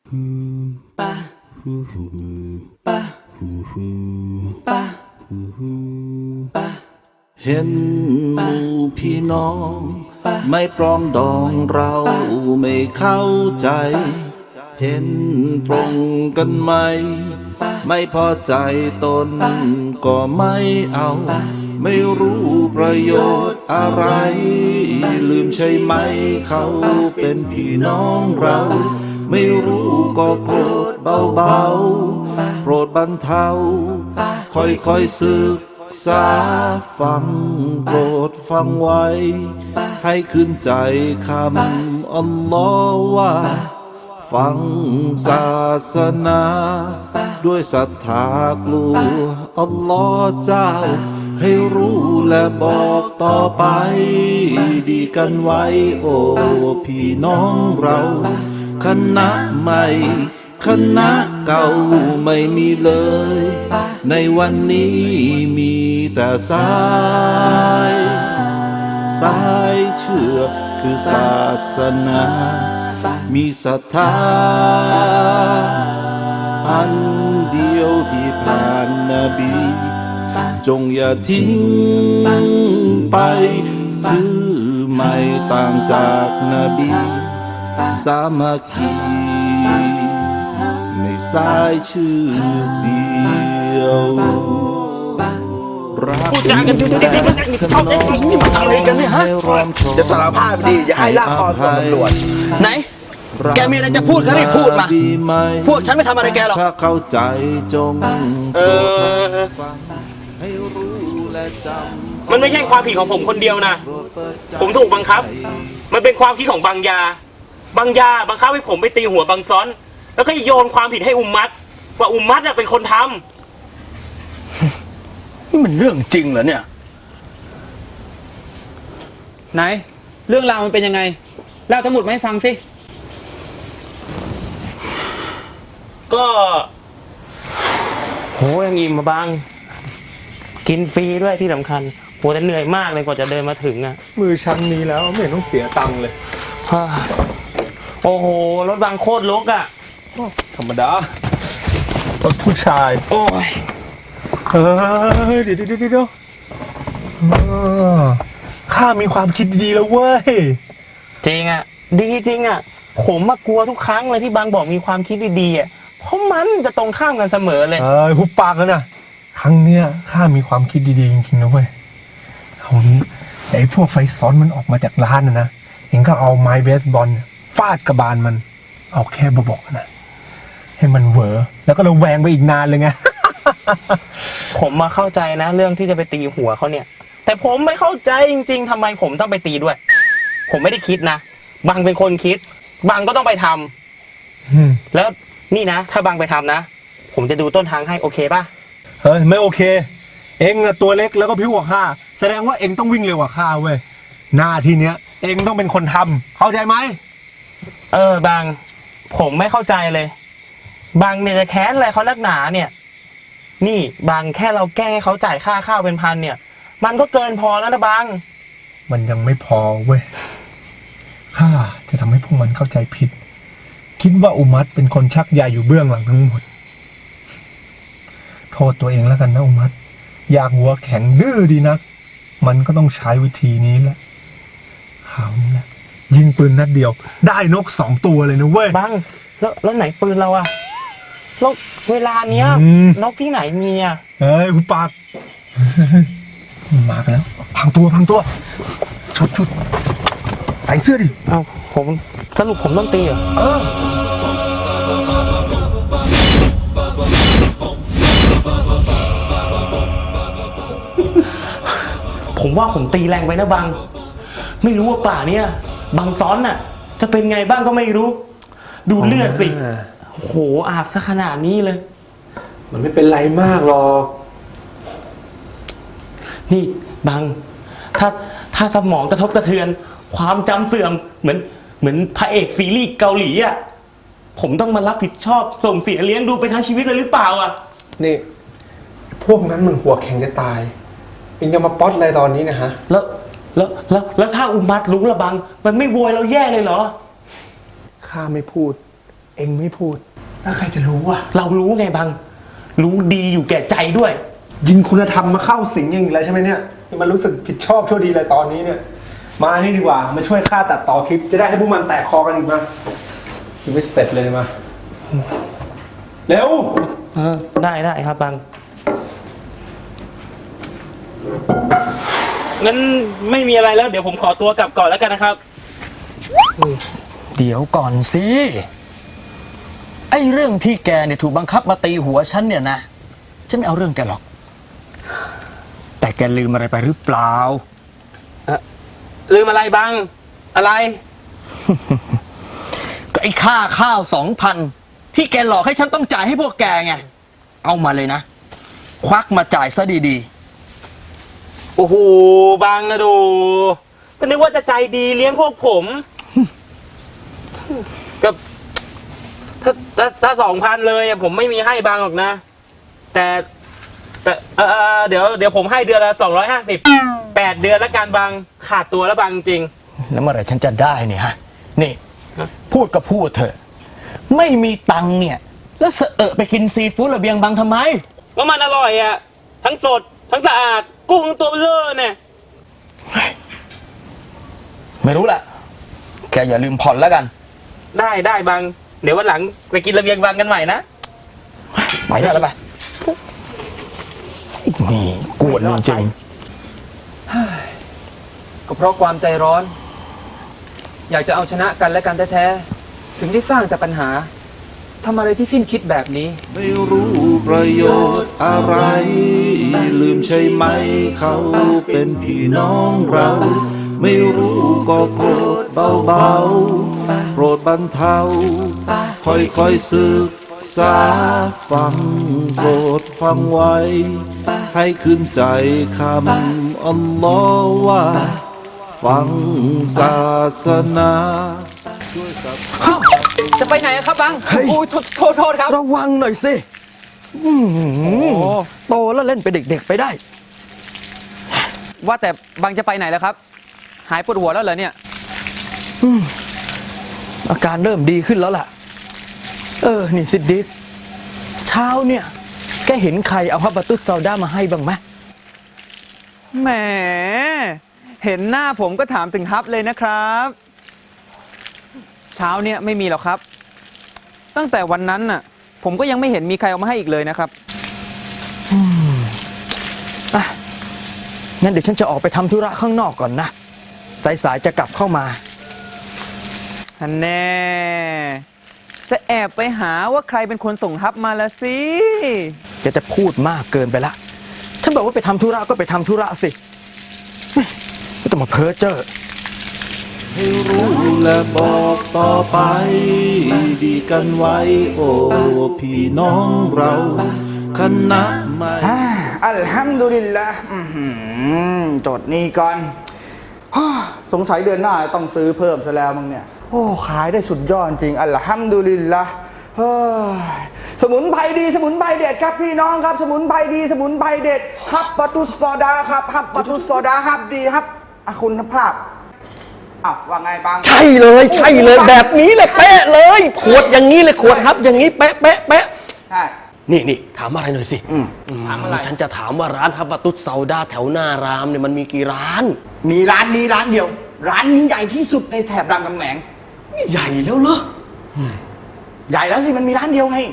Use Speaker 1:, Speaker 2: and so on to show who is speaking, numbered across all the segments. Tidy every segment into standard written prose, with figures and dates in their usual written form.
Speaker 1: เห็นหมู่พี่น้องไม่ปรองดองเราไม่เข้าใจเห็นตรงกันไหมไม่พอใจตนก็ไม่เอาไม่รู้ประโยชน์อะไรลืมใช่ไหมเขาเป็นพี่น้องเราไม่รู้ก็โกรธเบาๆโปรดบรรเทาค่อยๆศึกษาฟังโปรดฟังไว้ให้ขึ้นใจคำอัลลอฮ์ว่าฟังศาสนาด้วยศรัทธากลัวอัลลอฮ์เจ้าให้รู้และบอกต่อไปดีกันไว้โอ้พี่น้องเราคณะใหม่คณะเก่าไม่มีเลยในวันนี้มีแต่สายเชื่อคือศาสนามีศรัทธาอันเดียวที่ผ่านนบีจงอย่าทิ้งไปถือไม่ต่างจากนบีสามัคคีในสายชื่อเดียว
Speaker 2: พูดจากันดูดิเขานี่มันอะไรกันเนี่ยฮะจะสารภาพดีอย่าให้ลากคอส่งตำรวจไหนแกมีอะไรจะพูดก็รีบพูดมาพวกฉันไม่ทำอะไรแกหรอก
Speaker 1: ถ้าเข้าใจจง
Speaker 3: มันไม่ใช่ความผิดของผมคนเดียวนะผมถูกบังคับมันเป็นความคิดของบางยาบังคับให้ผมไปตีหัวบังซ้อนแล้วก็โยนความผิดให้อุมมัตว่าอุมมัตเป็นคนทำ
Speaker 2: นี่มันเรื่องจริงเหรอเนี่ย
Speaker 4: ไหนเรื่องราวมันเป็นยังไงเล่าทั้งหมดมาให้ฟังสิ
Speaker 3: ก็โหยังอิ่มมาบางกินฟรีด้วยที่สำคัญโหแต่เหนื่อยมากเลยกว่าจะเดินมาถึงอ่ะ
Speaker 5: มือชั้นนี้แล้วไม่เห็นต้องเสียตังค์เลย
Speaker 3: โอ้โหรถบางโคตรรกอ่ะ
Speaker 5: ธรรมดารถผู้ชาย
Speaker 3: โอ้ย
Speaker 5: เดี๋ยวข้ามีความคิดดีแล้วเว้ย
Speaker 3: จริงอ่ะดีจริงอ่ะผมมากลัวทุกครั้งเลยที่บางบอกมีความคิดดีๆอ่ะเพราะมันจะตรงข้ามกันเสมอเลย
Speaker 5: หุบปากแล้วนะครั้งเนี้ยข้ามีความคิดดีๆจริงๆนะเว้ยเอางี้ไอ้พวกไฟซ้อนมันออกมาจากร้านนะเองก็เอาไม้เบสบอลฟาดกระบาลมันเอาแค่บอกนะให้มันเหวอแล้วก็ระแวงไปอีกนานเลยไง
Speaker 3: ผมมาเข้าใจนะเรื่องที่จะไปตีหัวเขาเนี่ยแต่ผมไม่เข้าใจจริงๆทำไมผมต้องไปตีด้วยผมไม่ได้คิดนะบางเป็นคนคิดบางก็ต้องไปทำแล้วนี่นะถ้าบางไปทำนะผมจะดูต้นทางให้โอเคป่ะ
Speaker 5: เฮ้ยไม่โอเคเอ็งตัวเล็กแล้วก็ผิวกว่าข้าแสดงว่าเอ็งต้องวิ่งเร็วกว่าข้าเว้ยหน้าที่เนี้ยเอ็งต้องเป็นคนทำเข้าใจไหม
Speaker 3: บางผมไม่เข้าใจเลยบางเนี่ยจะแค้นอะไรเขานักหนาเนี่ยนี่บางแค่เราแกล้งให้เขาจ่ายค่าข้าวเป็นพันเนี่ยมันก็เกินพอแล้วนะบาง
Speaker 5: มันยังไม่พอเว้ยข้าจะทำให้พวกมันเข้าใจผิดคิดว่าอุมัตเป็นคนชักใยอยู่เบื้องหลังทั้งหมดโทษตัวเองแล้วกันนะอุมัตอยากหัวแข็งดื้อดีนักมันก็ต้องใช้วิธีนี้แหละข่าวนี้แหละยิงปืนนัดเดียวได้นก2 ตัวเลยนะเว้ย
Speaker 3: บังแล้วไหนปืนเราอะแล้วเวลาเนี้ยนกที่ไหนมีอะ
Speaker 5: เฮ้ยคุณปากมากันแล้วพังตัวชุดใส่เสื้อดิ
Speaker 3: เอาผมสรุปผมต้องตีเหรอผมว่าผมตีแรงไปนะบังไม่รู้ว่าป่าเนี่ยบังซ้อนน่ะจะเป็นไงบ้างก็ไม่รู้ดูเลือดสิโหอาบซะขนาดนี้เลย
Speaker 5: มันไม่เป็นไรมากหรอก
Speaker 3: นี่บังถ้าสมองกระทบกระเทือนความจำเสื่อมเหมือนพระเอกซีรีส์เกาหลีอ่ะผมต้องมารับผิดชอบส่งเสียเลี้ยงดูไปทั้งชีวิตเลยหรือเปล่าอ่ะ
Speaker 5: นี่พวกนั้นมันหัวแข็งจะตายเองจะมาป๊อตอะไรตอนนี้นะฮะ
Speaker 3: แล้วถ้าอุมัตรู้ละบังมันไม่โวยเราแย่เลยเหรอ
Speaker 5: ข้าไม่พูดเองไม่พูดแล้วใครจะรู้อ่ะ
Speaker 3: เรารู้ไงบัง รู้ดีอยู่แก่ใจด้วย
Speaker 5: ยินคุณธรรมมาเข้าสิงอย่างอีกแล้วใช่ไหมเนี่ยมันรู้สึกผิดชอบชั่วดีอะไรตอนนี้เนี่ย มานี่ดีกว่ามาช่วยข้าตัดต่อคลิปจะได้ให้พวกมันแตกคอกันอีกมายังไม่เสร็จเลยมาเร็ว
Speaker 3: ได้ครับบัง งั้นไม่มีอะไรแล้วเดี๋ยวผมขอตัวกลับก่อนแล้วกันนะครับ
Speaker 2: เดี๋ยวก่อนสิ ไอ้เรื่องที่แกเนี่ยถูกบังคับมาตีหัวฉันเนี่ยนะ ฉันไม่เอาเรื่องแกหรอก แต่แกลืมอะไรไปหรือเปล่า
Speaker 3: ลืมอะไรบัง อะไร
Speaker 2: ก็ไอ้ค่าข้าว 2,000 ที่แกหลอกให้ฉันต้องจ่ายให้พวกแกไง เอามาเลยนะ ควักมาจ่ายซะดี
Speaker 3: โอ้โหบังนะดู ก็นึกว่าจะใจดีเลี้ยงพวกผม กับถ้า2,000เลยอะผมไม่มีให้บังหรอกนะ แต่เดี๋ยวผมให้เดือนละ250 8 เดือนแล้วกันบังขาดตัวแล้วบังจริง
Speaker 2: ๆ แล้วเมื่อไหร่ฉันจะได้เนี่ยฮะ นี่ พูดก็พูดเถอะ ไม่มีตังค์เนี่ย แล้วเสอะไปกินซีฟู้ดระเบียงบังทำไม
Speaker 3: ว่ามันอร่อยอ่ะ ทั้งสด ทั้งสะอาด กุ้งตัวเบลอเนี่ย
Speaker 2: ไม่รู้แหละ แกอย่าลืมผ่อนแล้วกัน
Speaker 3: ได้บัง เดี๋ยววันหลังไปกินระเบียงบังกันใหม่นะ
Speaker 2: ไปได้แล้วไปนี่กวนจริง
Speaker 4: ก็เพราะความใจร้อน อยากจะเอาชนะกันและกันแท้ๆถึงได้สร้างแต่ปัญหาทำอะไรที่สิ้นคิดแบบนี้
Speaker 1: ไม่รู้ประโยชน์อะไร ลืมใช่ไหมเขาเป็นพี่น้องเรา ไม่รู้ก็โกรธเบาๆโปรดบรรเทาค่อยๆศึกษาฟังโปรดฟังไว้ ให้ขึ้นใจคำอัลลอฮ์ว่า ฟังศาสนา
Speaker 4: จะไปไหนอะครับบังโอ้ยโทษครับ
Speaker 2: ๆ ระวังหน่อยสิโตแล้วเล่นไปนเด็กๆไปได้
Speaker 4: ว่าแต่บังจะไปไหนแล้วครับ หายปวดหัวแล้วเหรอเนี่ย
Speaker 2: อาการเริ่มดีขึ้นแล้วล่ะ นี่ซิดดิสเช้าเนี่ย แกเห็นใครเอาฮับบะตุสซาวด้ามาให้บ้างไหม
Speaker 4: แหม เห็นหน้าผมก็ถามถึงฮับเลยนะครับ เช้าเนี่ยไม่มีหรอกครับ ตั้งแต่วันนั้นน่ะ ผมก็ยังไม่เห็นมีใครเอามาให้อีกเลยนะครับ
Speaker 2: งั้นเดี๋ยวฉันจะออกไปทำธุระข้างนอกก่อนนะ สายๆจะกลับเข้ามา
Speaker 4: อันแน่ จะแอบไปหาว่าใครเป็นคนส่งฮับมาละสิ
Speaker 2: แกจะพูดมากเกินไปละ ฉันบอกว่าไปทำธุระก็ไปทำธุระสิไม่ต้องมาเพ้อเจ้อ
Speaker 1: ให้รู้และบอกต่อไป ดีกันไว้ โอ้พี่น้องเราคณะไม่
Speaker 6: อัลฮัมดุลิลละจดนี่ก่อนสงสัยเดือนหน้าต้องซื้อเพิ่มซะแล้วมั้งเนี่ย โอ้ขายได้สุดยอดจริง อัลฮัมดุลิลละเฮ้ยสมุนไพรดีสมุนไพรเด็ดครับพี่น้องครับ สมุนไพรดีสมุนไพรเด็ดฮับปะตุสซอดาครับฮับปะตุสซอดาฮับดีฮับคุณภาพว่าไงบาง
Speaker 2: ใช่เลยแบบนี้เลยเป๊ะเลย ขวดอย่างนี้เลยขวดฮับอย่างนี้เป๊ะ
Speaker 6: ใช่
Speaker 2: นี่ถามอะไรหน่อยสิ
Speaker 6: ถามอะไร
Speaker 2: ฉันจะถามว่าร้านฮับบะตุสซาวด้าแถวหน้ารามเนี่ยมันมีกี่ร้าน
Speaker 6: มีร้านนี้ร้านเดียว ร้านนี้ใหญ่ที่สุดในแถบรามคำแหง
Speaker 2: ใหญ่แล้วเหรอ
Speaker 6: ใหญ่แล้วสิมันมีร้านเดียวไง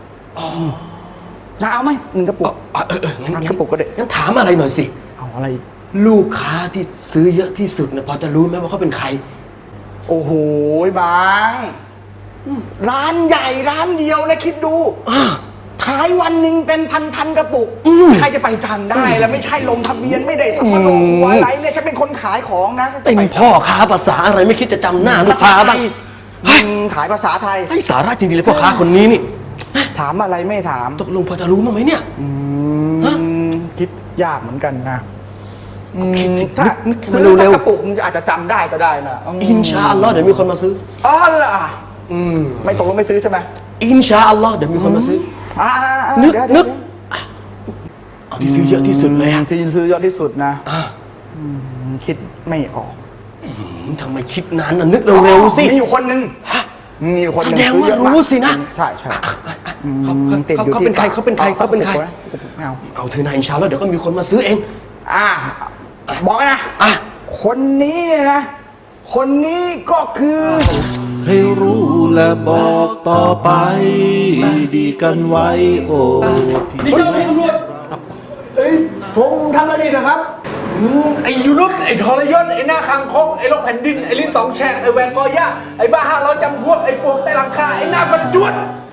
Speaker 6: แล้วเอาไหม1 กระปุก
Speaker 2: งั้น
Speaker 6: กระปุกก็ได้
Speaker 2: งั้นถามอะไรหน่อยสิ
Speaker 6: เอาอะไร
Speaker 2: ลูกค้าที่ซื้อเยอะที่สุดเนี่ยพอจะรู้ไหมว่าเขาเป็นใคร
Speaker 6: โอ้โหบางร้านใหญ่ร้านเดียวนะคิดดูขายวันหนึ่งเป็นพันกระปุกใครจะไปจำได้แล้วไม่ใช่ลงทะเบียนไม่ได้ทำมาลงหัวอะไรเนี่ยฉันเป็นคนขายของนะ
Speaker 2: เป็นพ่อค้าภาษาอะไรไม่คิดจะจำหน้าลูก
Speaker 6: ภาษา
Speaker 2: ค้า
Speaker 6: ไท
Speaker 2: บ้าง
Speaker 6: ยขายภาษาไทย
Speaker 2: ให้สาระจริงๆเลยพ่อค้าคนนี้นี่
Speaker 6: ถามอะไรไม่ถาม
Speaker 2: ตกลงพอจะรู้มั้างไหมเนี่ย ฮะ
Speaker 6: คิดยากเหมือนกันนะ
Speaker 2: คิดสิ
Speaker 6: ถ้า
Speaker 2: นึก
Speaker 6: ซื้อ
Speaker 2: เร็
Speaker 6: สัก
Speaker 2: ว
Speaker 6: กระปุกมันอาจจะจำได้ก็ได้นะ
Speaker 2: อินชาอัลลอฮ์เดี๋ยวมีคนมาซื้อ
Speaker 6: อ๋อล่ะไม่ตกลงไม่ซื้อใช่ไหม
Speaker 2: อินชาอัลลอฮ์เดี๋ยวมีคนมาซื้อ นึก
Speaker 6: เดี๋ยว
Speaker 2: นึก เอาที่ซื้อเยอะที่สุดเลยอะ
Speaker 6: ที่ซื้อยอดที่สุดนะ
Speaker 2: อ่ะ
Speaker 6: คิดไม่ออก
Speaker 2: ทำไมคิดนานน่ะนึกเร็วๆสิ
Speaker 6: มีอยู่คนหนึ่งมีคนห
Speaker 2: แส
Speaker 6: นึ่ง
Speaker 2: ดง
Speaker 6: ซื้อ
Speaker 2: ว่า
Speaker 6: เยอะมาก
Speaker 2: รู้สินะ
Speaker 6: ใช่ใช่
Speaker 2: เขาเป็นใครเขาเป็นใครเขาเป็นใคร
Speaker 6: ไม่เอา
Speaker 2: เอาเธอนายอินชาอัลลอฮ์เดี๋ยวก็มีคนมาซื้อเอง
Speaker 6: อ่ะบอกนะ
Speaker 2: อ่ะ
Speaker 6: คนนี้นะ คนนี้ก็คือ
Speaker 1: ให้รู้และบอกต่อไป ดีกันไว้โอ้พี่
Speaker 5: นี่เจ้าหน้าที่ตำรวจผมทำอะไรดีนะครับไอ้ยูนุสไอ้ทรยศไอ้หน้าคางคกไอ้โรคแผ่นดินไอ้ลิ้นสองแฉกไอ้แหวนกอย่าไอ้บ้าห้าร้อยจำพวกไอ้ปวกใต้หลังคาไอ้หน้าบรรจวด